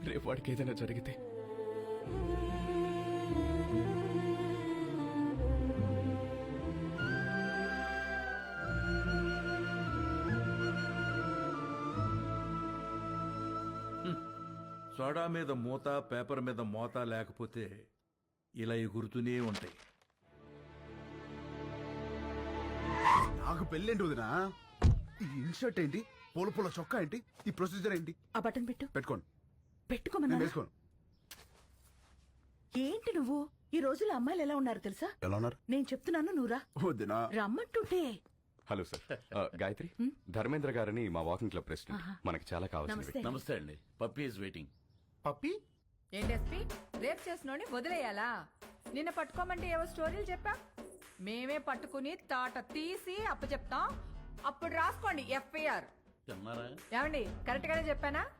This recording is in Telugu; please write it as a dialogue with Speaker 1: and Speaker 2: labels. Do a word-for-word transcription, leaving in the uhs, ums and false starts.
Speaker 1: రేపు వాడికి ఏదైనా జరిగితే
Speaker 2: సోడా మీద మూత పేపర్ మీద మోత లేకపోతే ఇలా ఎగురుతూనే ఉంటాయి.
Speaker 3: నాకు పెళ్ళేంటి వదినా? ఈ ఇన్షర్ట్ ఏంటి? పూల పూల చొక్కా ఏంటి? ఈ ప్రొసీజర్ ఏంటి?
Speaker 4: ఆ బటన్ పెట్టు.
Speaker 3: పెట్టుకోండి.
Speaker 4: పెట్టుకోమన్నా.
Speaker 3: నేను వేసుకోను.
Speaker 4: ఏంటి నువ్వు? ఈ రోజుల్లో అమ్మాయిలు ఎలా ఉన్నారు తెలుసా?
Speaker 3: ఎలా ఉన్నారు?
Speaker 4: నేను చెప్తున్నాను నువ్వురా.
Speaker 3: వదినా
Speaker 4: రమ్మంటుంటే.
Speaker 1: హలో సార్, ఆ, గాయత్రి ధర్మేంద్ర గారని మా వాకింగ్ క్లబ్ ప్రెసిడెంట్. మనకి చాలా కావాల్సింది.
Speaker 4: నమస్తే.
Speaker 2: నమస్తే అండి. Puppy is waiting.
Speaker 3: పప్పి
Speaker 5: ఏంటి ఎస్పీ రేప్ చేసినోని వదిలేయాలా? నిన్న పట్టుకోమంటే ఏవో స్టోరీలు చెప్పా. మేమే పట్టుకుని తాట తీసి అప్పు చెప్తాం. అప్పుడు రాసుకోండి ఎఫ్ఐఆర్. ఏమండి కరెక్ట్ గానే చెప్పానా?